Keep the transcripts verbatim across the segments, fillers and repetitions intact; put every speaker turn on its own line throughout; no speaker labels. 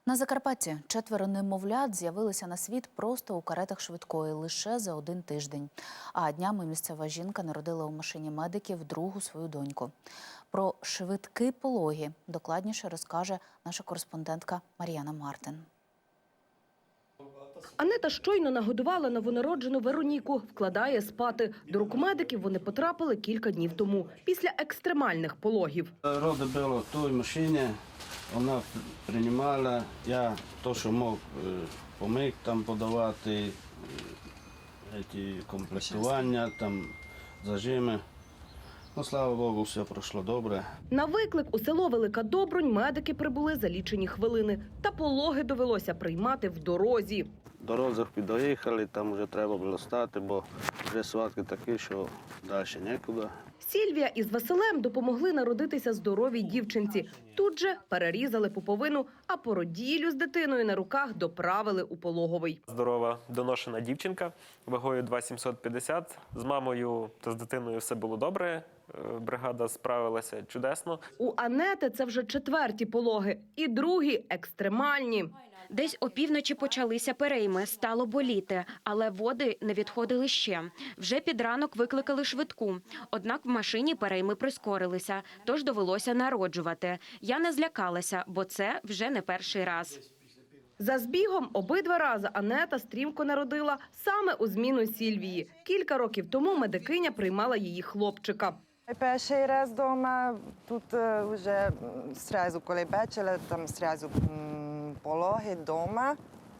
На Закарпатті четверо немовлят з'явилися на світ просто у каретах швидкої лише за один тиждень. А днями місцева жінка народила у машині медиків другу свою доньку. Про швидкі пологи докладніше розкаже наша кореспондентка Мар'яна Мартин.
Анета щойно нагодувала новонароджену Вероніку, вкладає спати. До рук медиків вони потрапили кілька днів тому, після екстремальних пологів.
Роди було в той машині, вона приймала, я то, що мог, поміг там подавати, ці комплектування, там зажими. Ну, слава Богу, все пройшло добре.
На виклик у село Велика Добрунь медики прибули за лічені хвилини. Та пологи довелося приймати в дорозі.
В дорозах підоїхали, там вже треба було стати, бо вже сватки такі, що далі нікуди.
Сільвія із Василем допомогли народитися здоровій дівчинці. Тут же перерізали пуповину, а породіллю з дитиною на руках доправили у пологовий.
Здорова, доношена дівчинка, вагою два тисячі сімсот п'ятдесят. З мамою та з дитиною все було добре. Бригада справилася чудесно.
У Анети це вже четверті пологи. І другі екстремальні.
Десь опівночі почалися перейми, стало боліти, але води не відходили ще. Вже під ранок викликали швидку. Однак в машині перейми прискорилися, тож довелося народжувати. Я не злякалася, бо це вже не перший раз.
За збігом обидва рази Анета стрімко народила саме у зміну Сільвії. Кілька років тому медикиня приймала її хлопчика.
Перший раз вдома, тут вже зразу, коли бачила, там зразу пологи вдома.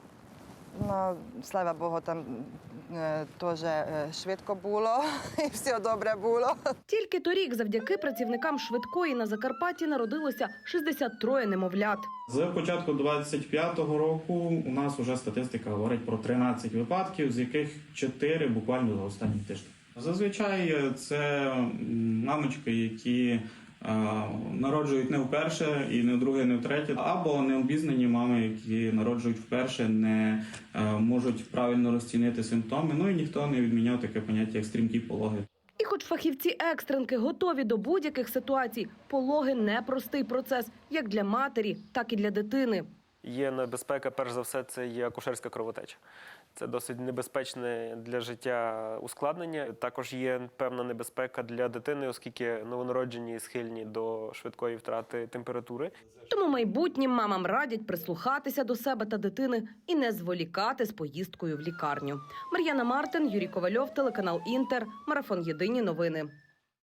Ну, слава Богу, там теж швидко було і все добре було.
Тільки торік завдяки працівникам швидкої на Закарпатті народилося шістдесят три немовлят.
З початку двадцять п'ятого року у нас вже статистика говорить про тринадцять випадків, з яких чотири буквально за останній тиждень. Зазвичай це мамочки, які народжують не вперше, і не вдруге, не втретє, або необізнані мами, які народжують вперше, не можуть правильно розцінити симптоми. Ну і ніхто не відміняв таке поняття, як стрімкі пологи.
І хоч фахівці-екстренки готові до будь-яких ситуацій, пологи – непростий процес, як для матері, так і для дитини.
Є небезпека, перш за все, це є акушерська кровотеча. Це досить небезпечне для життя ускладнення. Також є певна небезпека для дитини, оскільки новонароджені схильні до швидкої втрати температури.
Тому майбутнім мамам радять прислухатися до себе та дитини і не зволікати з поїздкою в лікарню. Мар'яна Мартин, Юрій Ковальов, телеканал «Інтер», марафон «Єдині новини».